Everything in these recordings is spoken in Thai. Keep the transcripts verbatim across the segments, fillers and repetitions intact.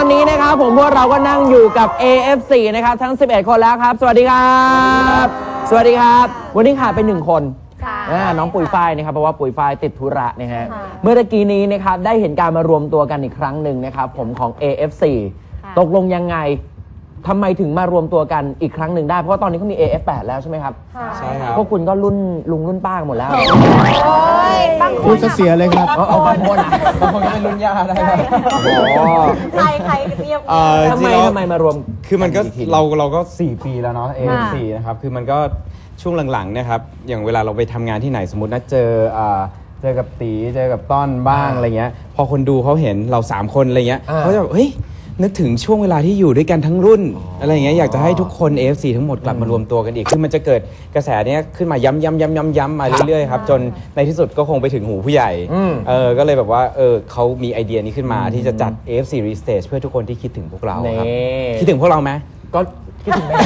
อนนี้นะครับผมพวกเราก็นั่งอยู่กับ เอ เอฟ ซี นะครับทั้งสิบเอ็ดคนแล้วครับสวัสดีครับสวัสดีครับวันนี้ขาดไปหนึ่งคนน้องปุ๋ยฝ้ายนะครับเพราะว่าปุ๋ยฝ้ายติดธุระนะฮะเมื่อกี้นี้นะครับได้เห็นการมารวมตัวกันอีกครั้งหนึ่งนะครับผมของ เอ เอฟ ซี ตกลงยังไงทำไมถึงมารวมตัวกันอีกครั้งหนึ่งได้เพราะว่าตอนนี้เขามี เอ เอฟ แปด แล้วใช่ไหมครับใช่ครับพวกคุณก็รุ่นลุงรุ่นป้าหมดแล้วคุณเสียเลยครับเอาบางคนบางคนก็เป็นรุ่นย่าได้ใครใครเรียบทำไมทำไมมารวมคือมันก็เราเราก็สี่ปีแล้วเนาะ เอ เอฟ ซี นะครับคือมันก็ช่วงหลังๆนะครับอย่างเวลาเราไปทำงานที่ไหนสมมตินะเจอเจอกับตีเจอกับต้อนบ้างอะไรเงี้ยพอคนดูเขาเห็นเราสามคนอะไรเงี้ยเขาจะแบบเฮ้ยนึกถึงช่วงเวลาที่อยู่ด้วยกันทั้งรุ่นอะไรอย่างเงี้ยอยากจะให้ทุกคน เอ เอฟ ซี ทั้งหมดกลับมารวมตัวกันอีกคือมันจะเกิดกระแสนี้ขึ้นมาย้ำย้ำย้ำย้ำย้ำมาเรื่อยๆครับจนในที่สุดก็คงไปถึงหูผู้ใหญ่เออก็เลยแบบว่าเออเขามีไอเดียนี้ขึ้นมาที่จะจัด เอ เอฟ ซี Restage เพื่อทุกคนที่คิดถึงพวกเราครับคิดถึงพวกเราไหมก็คิดถึงไหม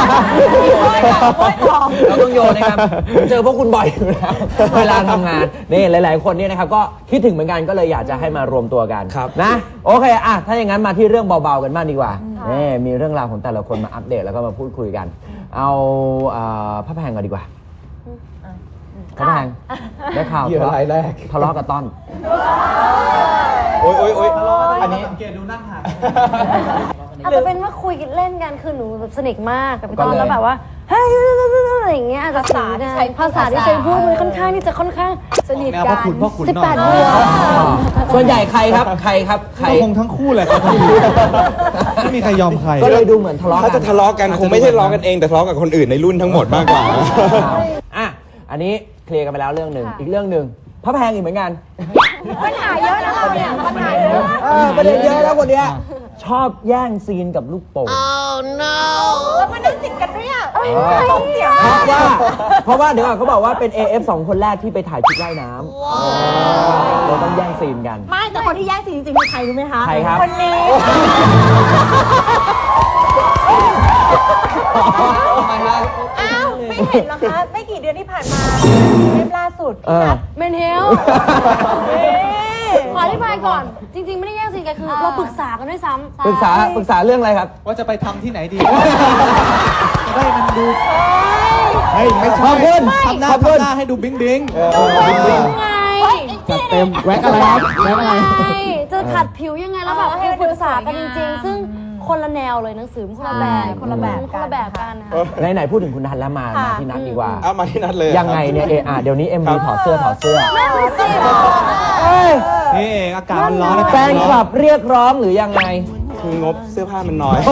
เราต้องโยนนะครับเจอพวกคุณบ่อยอยู่แล้วเวลาทำงานนี่หลายๆคนเนี่ยนะครับก็คิดถึงเหมือนกันก็เลยอยากจะให้มารวมตัวกันนะโอเคอ่ะถ้าอย่างนั้นมาที่เรื่องเบาๆกันบ้างดีกว่านี่มีเรื่องราวของแต่ละคนมาอัปเดตแล้วก็มาพูดคุยกันเอาพระแพงก่อนดีกว่าพระแพงได้ข่าวทะเลาะแรกทะเลาะกับต้อนโอ๊ยโอ๊ยโอ๊ยอันนี้สังเกตดูนั่งห่างอาจจะเป็นว่าคุยกันเล่นกันคือหนูแบบสนิทมากกับพี่ต้นแล้วแบบว่าเฮ้ยอะไรอย่างเงี้ยอาจจะสื่อได้ภาษาที่ใช้พูดมันค่อนข้างที่จะค่อนข้างสนิทกันสิบแปดเดือนส่วนใหญ่ใครครับใครครับใครคงทั้งคู่แหละครับไม่มีใครยอมใครก็เลยดูเหมือนทะเลาะกันถ้าจะทะเลาะกันคงไม่ใช่ทะเลาะกันเองแต่ทะเลาะกับคนอื่นในรุ่นทั้งหมดมากกว่าอ่ะอันนี้เคลียร์กันไปแล้วเรื่องหนึ่งอีกเรื่องหนึ่งพระแพงอีกเหมือนกันปัญหาเยอะนะเราเนี่ยปัญหาเยอะประเด็นเยอะแล้วคนเนี้ยชอบแย่งซีนกับลูกโป่ง oh no แล้วมันนั่งติดกันด้วยอ่ะตกเสียงเพราะว่าเพราะว่าเดี๋ยวก่อนเขาบอกว่าเป็น เอ เอฟ สองคนแรกที่ไปถ่ายชุดว่ายน้ำเราต้องแย่งซีนกันไม่แต่คนที่แย่งซีนจริงๆคือใครรู้ไหมคะใครครับคนนี้อ้าวไม่เห็นหรอคะไม่กี่เดือนที่ผ่านมาเทปล่าสุดเมนเฮลขออธิบายก่อนจริงๆไม่ได้แย่งซีนกันคือเราปรึกษากันด้วยซ้ำปรึกษาปรึกษาเรื่องอะไรครับว่าจะไปทำที่ไหนดีจะได้มันดูเฮ้ยไม่ชอบเพื่อนทำหน้าทำหน้าให้ดูบิ้งบิ้งไงจัดเต็มแว็กอะไรครับแว็กอะไรจะขัดผิวยังไงแล้วแบบให้ปรึกษากันจริงๆซึ่งคนละแนวเลยหนังสือคนละแบบคนละแบบคนละแบบกันค่ะไหนๆพูดถึงคุณนัทแล้วมามาที่นัทดีกว่าเอามาที่นัทเลยยังไงเนี่ยเออเดี๋ยวนี้เอ็มวีถอดเสื้อถอดเสื้อนี่อากาศมันร้อนแฟนคลับเรียกร้องหรือยังไงคืองบเสื้อผ้ามันน้อย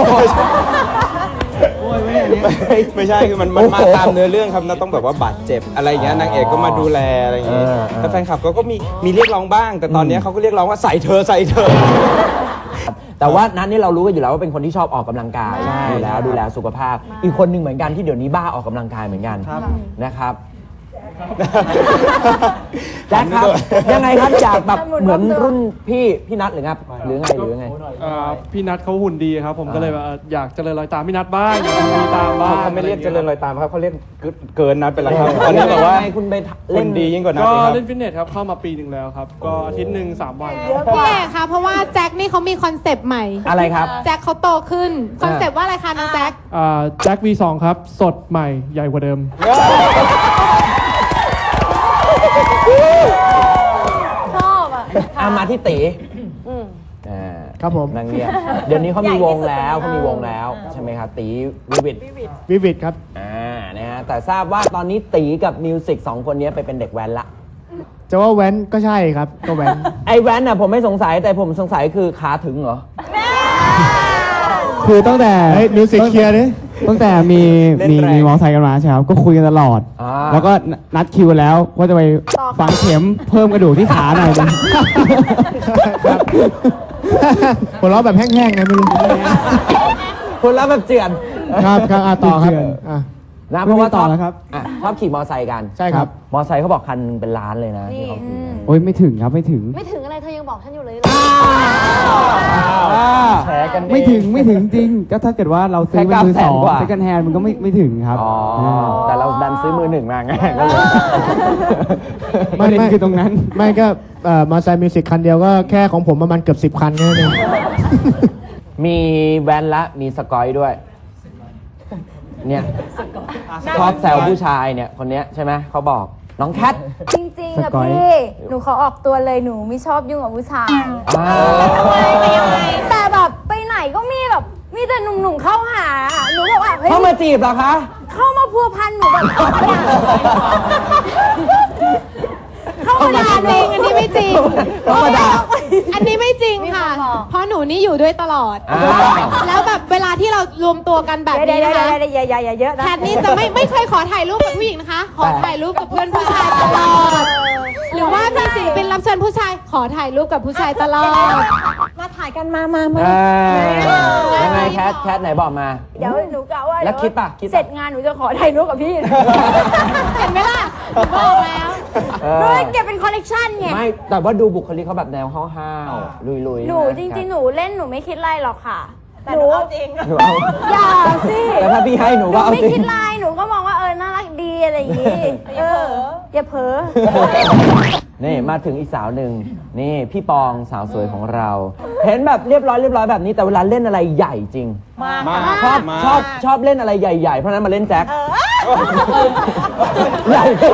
ไม่ใช่คือมันมาตามเนื้อเรื่องครับนัทต้องแบบว่าบาดเจ็บอะไรอย่างเงี้ยนางเอกก็มาดูแลอะไรอย่างเงี้ยแต่แฟนคลับเขาก็มีมีเรียกร้องบ้างแต่ตอนนี้เขาก็เรียกร้องว่าใส่เธอใส่เธอแต่ว่านั้นนี่เรารู้กันอยู่แล้วว่าเป็นคนที่ชอบออกกำลังกายดูแลดูแลสุขภาพอีกคนหนึ่งเหมือนกันที่เดี๋ยวนี้บ้าออกกำลังกายเหมือนกันนะครับแจ็คครับยังไงครับจากแบบเหมือนรุ่นพี่พี่นัทหรือครับหรือไงหรือไงพี่นัทเขาหุ่นดีครับผมก็เลยอยากเจริญรอยตามพี่นัทบ้างอยากมีตามบ้างเขาไม่เรียกเจริญรอยตามครับเขาเรียกเกินนัทไปแล้วครับตอนนี้แบบว่าคุณไปเล่นดียิ่งกว่านัทก็เล่นฟิตเนสครับเข้ามาปีหนึ่งแล้วครับก็อาทิตย์หนึ่งสามวันพี่เอกค่ะเพราะว่าแจ็คนี่เขามีคอนเซปต์ใหม่อะไรครับแจ็คเขาโตขึ้นคอนเซปต์ว่าอะไรคะน้องแจ็คแจ็ค วี สอง ครับสดใหม่ใหญ่กว่าเดิมชอบอ่ะเอามาที่ตีครับผมนางเงียบเดี๋ยวนี้เขามีวงแล้วเขามีวงแล้วใช่ไหมครับตีวิวิดวิวิดครับอ่านะฮะแต่ทราบว่าตอนนี้ตีกับมิวสิกสองคนนี้ไปเป็นเด็กแว้นละจะว่าแว้นก็ใช่ครับก็แว้นไอแว้นน่ะผมไม่สงสัยแต่ผมสงสัยคือขาถึงเหรอคือตั้งแต่มิวสิกเคลียร์นี่ตั้งแต่มีมีมีมอไซค์กันมาใช่ครับก็คุยกันตลอดแล้วก็นัดคิวแล้วว่าจะไปฝังเข็มเพิ่มกระดูกที่ขาหน่อยนึงหัวเราะแบบแห้งๆไงไม่รู้คนละแบบเจือนครับครับต่อครับนะเพราะว่าต่อแล้วครับชอบขี่มอไซค์กันใช่ครับมอไซค์เขาบอกคันเป็นล้านเลยนะที่เขาขี่โอ้ยไม่ถึงครับไม่ถึงไม่ถึงอะไรเธอยังบอกฉันอยู่เลยแชร์กันไม่ถึงไม่ถึงจริงก็ถ้าเกิดว่าเราซื้อเป็นมือสองเซ็กแฮนด์มันก็ไม่ไม่ถึงครับแต่เราดันซื้อมือหนึ่งมาไงก็เลยไม่ไม่คือตรงนั้นไม่ก็มอไซค์มิวสิกคันเดียวก็แค่ของผมประมาณเกือบสิบคันแค่นั้นเองมีแวนละมีสกอยด้วยเนี่ยชอบแซวผู้ชายเนี่ยคนเนี้ยใช่ไหมเขาบอกน้องแคทจริงๆอะพี่หนูขอออกตัวเลยหนูไม่ชอบยุ่งกับผู้ชายอ่าแต่แบบไปไหนก็มีแบบมีแต่หนุ่มๆเข้าหาหนูบอกว่าเฮ้ยเข้ามาจีบเหรอคะเข้ามาพัวพันหนูแบบเข้ามาด่าจริงอันนี้ไม่จริงเข้ามาด่าอันนี้ไม่จริงค่ะ เพราะหนูนี่อยู่ด้วยตลอดอ่าแล้วแบบเวลาที่เรารวมตัวกันแบบเดี๋ยวนี้เดี๋ยวนะคะเดี๋ยวอย่าอย่าอย่าเยอะนะแคทนี่จะไม่ไม่เคยขอถ่ายรูปกับผู้หญิงนะคะ ขอถ่ายรูปกับเพื่อนผู้ชายตลอด หรือว่ามีศิลปินรับเชิญผู้ชาย ขอถ่ายรูปกับผู้ชายตลอดมาถ่ายกันมามามาเออยังไงแคทแคทไหนบอกมาเดี๋ยวหนูกะว่าแล้วคิดปะคิดปะเสร็จงานหนูจะขอถ่ายรูปกับพี่เห็นไหมล่ะหนูบอกแล้วเอหนูอเลยเก็บเป็นคอลเลกชันไงไม่แต่ว่าดูบุคลิกเขาแบบแนวห้าวๆลุยๆหนูะจริงๆ หนูเล่นหนูไม่คิดไรหรอกค่ะแต่หนูเอาจริงหนูเอาอย่าสิแต่ถ้าพี่ให้หนูหนูก็เอาไม่จริคิงดไรหนูก็มองว่าเออน่ารักดีอะไรอย่างงี้เอออย่าเผลอนี่มาถึงอีกสาวหนึ่งนี่พี่ปองสาวสวยของเรา เห็นแบบเรียบร้อยเรียบร้อยแบบนี้แต่เวลาเล่นอะไรใหญ่จริงมากชอบมากชอบชอบเล่นอะไรใหญ่ๆเพราะฉะนั้นมาเล่นแจ็คใหญ่ขึ้น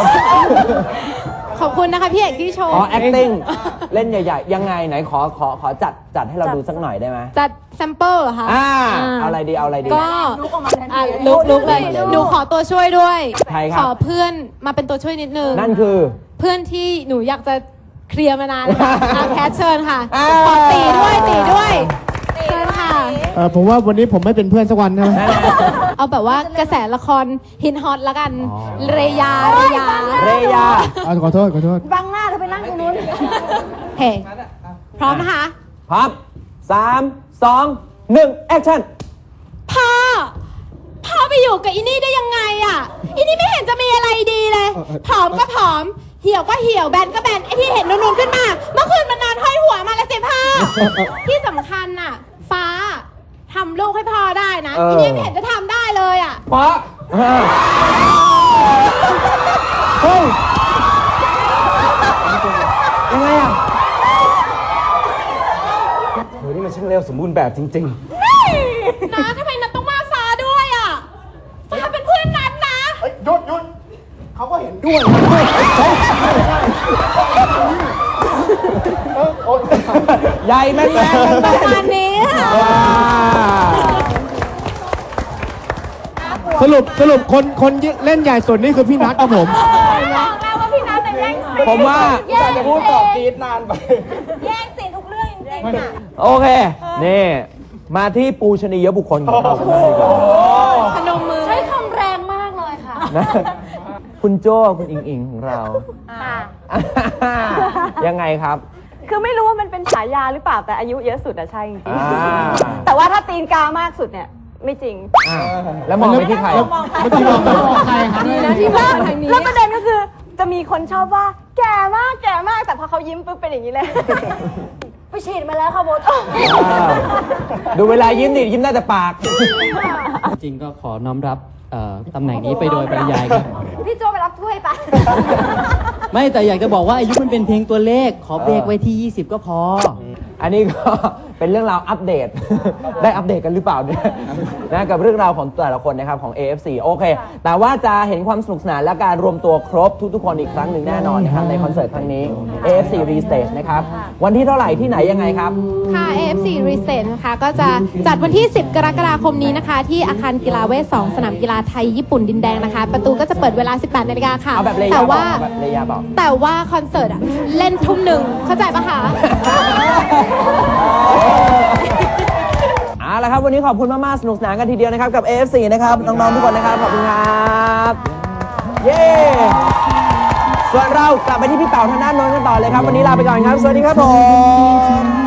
ขอบคุณนะคะพี่เอกที่ชมอ๋อ acting เล่นใหญ่ๆ ยังไงไหนขอขอขอจัดจัดให้เราดูสักหน่อยได้ไหมจัดแซมเปิลเหรอคะอ่าอ่าเอาอะไรดีเอาอะไรดีก็อ่ะลุกลุกเลย หนูขอตัวช่วยด้วยใครครับขอเพื่อนมาเป็นตัวช่วยนิดนึงนั่นคือเพื่อนที่หนูอยากจะเคลียร์มานานแล้วค่ะอ่ะแคทเชิญค่ะอ่าขอตีด้วยตีด้วยเชิญค่ะเออผมว่าวันนี้ผมไม่เป็นเพื่อนสักวันใช่ไหมเอาแบบว่ากระแสละครฮินฮอตละกันอ๋อเรยาเรยาเรยาเอาขอโทษขอโทษบังหน้าเธอไปนั่งตรงนู้นเฮ้พร้อมนะคะพร้อมสามสองหนึ่งแอคชั่นพ่อ พ่อไปอยู่กับอินี่ได้ยังไงอ่ะอินี่ไม่เห็นจะมีอะไรดีเลย ผอมก็ผอม เหี่ยวก็เหี่ยว แบนก็แบน ไอที่เห็นนูนๆขึ้นมา เมื่อคืนมันนอนห้อยหัวมาแล้วสิพ่อ ที่สำคัญน่ะ ฟ้าทำลูกให้พ่อได้นะเอออินี่ไม่เห็นจะทำได้เลยอ่ะฟ้าเฮ้ยยังไงอ่ะเธอนี่มันช่างเร็วสมบูรณ์แบบจริง ๆนะทำไมนัดต้องมาฟ้าด้วยอ่ะ ฟ้าเป็นเพื่อนนัดนะหยุดหยุดเขาก็เห็นด้วยใหญ่แม่นแม่นประมาณนี้ค่ะสรุปสรุปคนคนเล่นใหญ่สุดนี่คือพี่นัทครับผมบอกแล้วว่าพี่นัทแต่แย่งซีนผมว่าจะพูดตอบกรีดนานไปแย่งซีนทุกเรื่องจริงๆอ่ะโอเค นี่ มาที่ปูชนียบุคคลของเรากันบ้างดีกว่าพนมมือใช้คำแรงมากเลยค่ะนะคุณโจ้คุณอิงอิงของเรา ยังไงครับคือไม่รู้ว่ามันเป็นฉายาหรือเปล่าแต่อายุเยอะสุดอะใช่จริงอ่าๆแต่ว่าถ้าตีนกามากสุดเนี่ยไม่จริงอ่ะแล้วมองไปที่ใครเมื่อกี้มองไปใครครับดีนะที่ว่าแล้วประเด็นก็คือจะมีคนชอบว่าแก่มากแก่มากแต่พอเขายิ้มปุ๊บเป็นอย่างนี้เลยไปฉีดมาแล้วค่ะโบทอ่าดูเวลายิ้มดิยิ้มได้แต่ปากจริงก็ขอน้อมรับเอ่อตำแหน่งนี้ไปโดยปริยายครับพี่โจไปรับถ้วยไปไม่แต่อยากจะบอกว่าอายุมันเป็นเพียงตัวเลข ขอเบรกไว้ที่ ยี่สิบ ก็พออันนี้ก็ เป็นเรื่องราวอัปเดต ได้อัปเดตกันหรือเปล่าเนี่ยนะกับเรื่องราวของแต่ละคนนะครับของ เอ เอฟ ซี โอเค แต่ว่าจะเห็นความสนุกสนานและการรวมตัวครบทุกๆคนอีกครั้งหนึ่งแน่นอนนะครับในคอนเสิร์ตครั้งนี้ เอ เอฟ ซี Restage นะครับวันที่เท่าไหร่ที่ไหนยังไงครับค่ะ เอ เอฟ ซี Reset นะคะก็จะจัดวันที่ สิบ กรกฎาคมนี้นะคะ ที่อาคารกีฬาเวทสองสนามกีฬาไทยญี่ปุ่นดินแดงนะคะ ประตูก็จะเปิดเวลา สิบแปด นาฬิกาค่ะเอาแบบเลยาแต่บอว่ากเอาแบบเลยาบอกแต่ว่าคอนเสิร์ตอะเล่นทุ่มหนึ่งเข้าใจปะคะเอาละครับวันนี้ขอบคุณมากๆสนุกสนานกันทีเดียวนะครับกับ เอ เอฟ ซี นะครับน้องๆทุกคนนะครับขอบคุณครับเย้ส่วนเรากลับไปที่พี่เต๋าทางด้านโน้นกันต่อเลยครับวันนี้ลาไปก่อนครับสวัสดีครับผม